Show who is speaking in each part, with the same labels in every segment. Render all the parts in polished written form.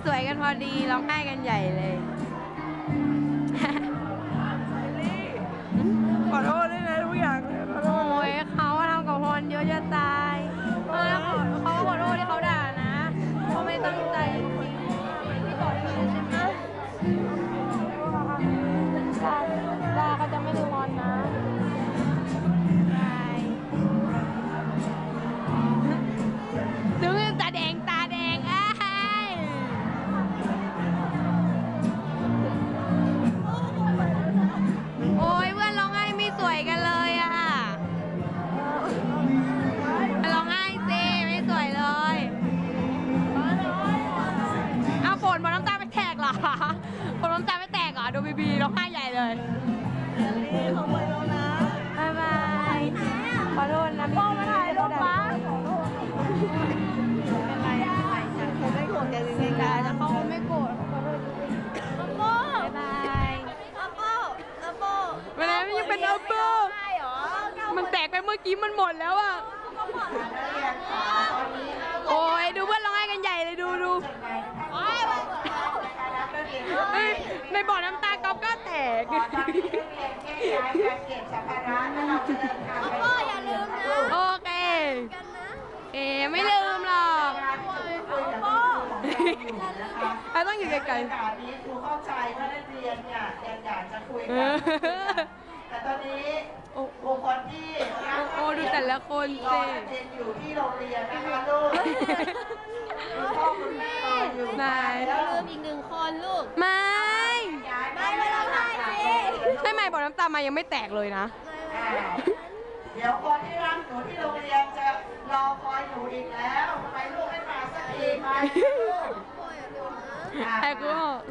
Speaker 1: สวยกันพอดีร้องไห้กันใหญ่เลย
Speaker 2: ขอโทษด้วยนะทุกอย่างเลยขอโท
Speaker 1: โอ้
Speaker 2: ษ
Speaker 1: ยเขาทำกับพรเยอะจะตายแล้วเขาขอโทษที่เขาด่านะเขาไม่ตั้งใจจริงๆพี่ต่อได้ยินใช่ไหมดาเขาจะไม่ลืมพรนะถึงตาแดงอ้ายโอ้ยเพื่อนร้องไห้ไม่สวยกันเลยอ่ะร้องไห้สิไม่สวยเลยเอาฝนบอลน้ำตาไม่แตกเหรอฝนน้ำตาไม่แตกเหรอดูบีร้องไห้ใหญ่เลย
Speaker 2: เขาไปแล้วนะ
Speaker 1: บ๊ายบายขอโทษนะพ่อมาถ่ายรูปป้าเป็นไรฉัน
Speaker 2: เขาไม่โกรธแกจริงๆนะ
Speaker 1: แต่เขาไม่โกรธขอโทษบ๊ายบายวันนี้มันยังเป็นอัปเปอร์มันแตกไปเมื่อกี้มันหมดแล้วอ่ะโอ้ยดูเพื่อนร้องไห้กันใหญ่เลยดูในบ่อน้ำตาก๊อฟก็แตก
Speaker 3: อย่าลืมนะ
Speaker 1: โอเคไม่ลืมหรอกเราต้องอยู่ไกลๆ
Speaker 2: นี้ครูเข้าใจว่านักเรียนเนี่ยอยากจะคุยกันแต่ตอนนี้บุคคลที่
Speaker 1: โอ้ดูแต่ละคนสิ
Speaker 2: เรียนอยู่ที่โรงเรียนนะคะลูกพ่อคุณแม่อยู่
Speaker 1: นาย
Speaker 3: อย่าลืมอีก1 คนลูก
Speaker 1: ไม่
Speaker 3: ไม่ร้องไห้สิ
Speaker 1: ใช่ไหมบ่อน้ำตามายังไม่แตกเลยนะ
Speaker 2: เดี๋ยวคนที่รักหนูที่โรงเรียนจะรอคอยหนูอีกแล้วไปลูกให้มาสักทีไหม
Speaker 1: แต่กู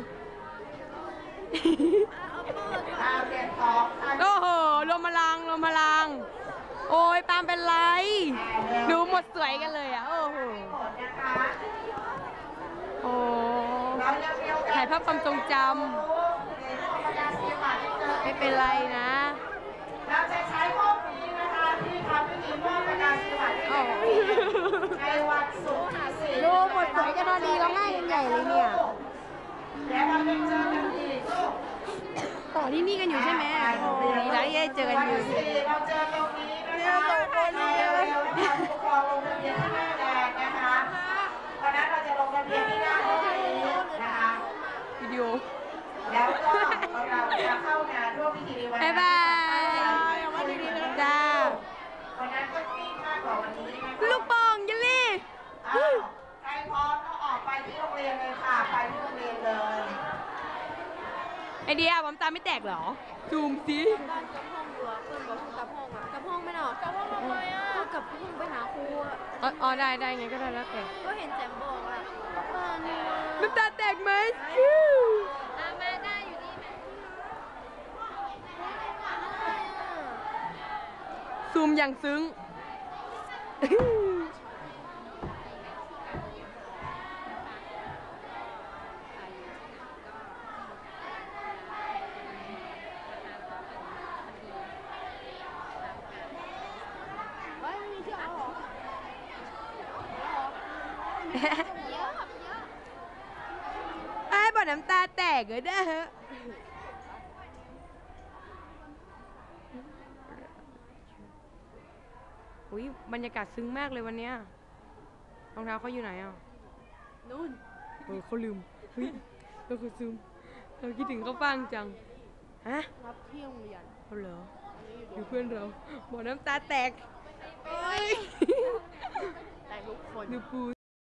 Speaker 2: เก็บของ
Speaker 1: โอ้โหลมพลังโอ้ยปาล์มเป็นไรดูหมดสวยกันเลยอ่ะโอ้โหโอ้ถ่ายภาพความทรงจำไม่เป็นไรนะ
Speaker 2: เราจะใช้ห้องนี้นะคะที่ทำพิธีมอบประกาศนียบัตรในวันศุกร์ที่4
Speaker 1: ดูหมดสวยกันพอดีร้องไห้กันใหญ่เลยเนี่ย
Speaker 2: แล้วเราจะเจอกันอีกลูก
Speaker 1: ต่อที่นี่กันอยู่ใช่ไหมดีแล้วที่ได้เจอกันอยู่
Speaker 2: เราเจอตรงนี้นะคะเราทำผู้ปกครองลงทะเบียนที่หน้าแดงนะคะวันนั้นเราจะลงทะเบียนที่หน้าห้องนี้นะคะ
Speaker 1: วิดีโอ
Speaker 2: แล้วก็เราจะเข้างานร่วมพิธีในวัน
Speaker 1: บ๊ายบายจ้า
Speaker 2: วันนั้นก็มีมากกว่าวันนี้นะคะ
Speaker 1: ลูกโป่งเยลลี่
Speaker 2: ใครพร้อมก็ออกไปที่โรงเรียนเลยค่ะไปที่โรงเรียนเลย
Speaker 1: ไอเดียผมตาไม่แตกเหรอซูมสิ
Speaker 3: บ้านกับห้องอยู่อ่ะเพื่อนบอกกลับห้องอ่ะกลับห้องไม่หรอกลับห้องทำไมอ่ะก็กลับห้องไปหาครูอ่ะ
Speaker 1: อ๋อได้ไงก็ได้แล้วแต่
Speaker 3: ก็เห็นแจมบอกอ่ะเนี่ย
Speaker 1: น้ำตาแตกไหม
Speaker 3: มาได้อยู่นี่ไหม
Speaker 1: ซูมอย่างซึ้งไอ้บ่อน้ำตาแตกเลยนะฮะอุ้ยบรรยากาศซึ้งมากเลยวันเนี้ยรองเท้าเขาอยู่ไหนอ่ะ
Speaker 3: นู่น
Speaker 1: เขาลืมเฮ้ยเราคือซึมเราคิดถึงเขาฟังจังฮะ
Speaker 3: รับเที่ยงเรียน
Speaker 1: เขาเหรอดูเพื่อนเราบ่อน้ำตาแตก
Speaker 3: แต่ทุกคน
Speaker 1: ดูปู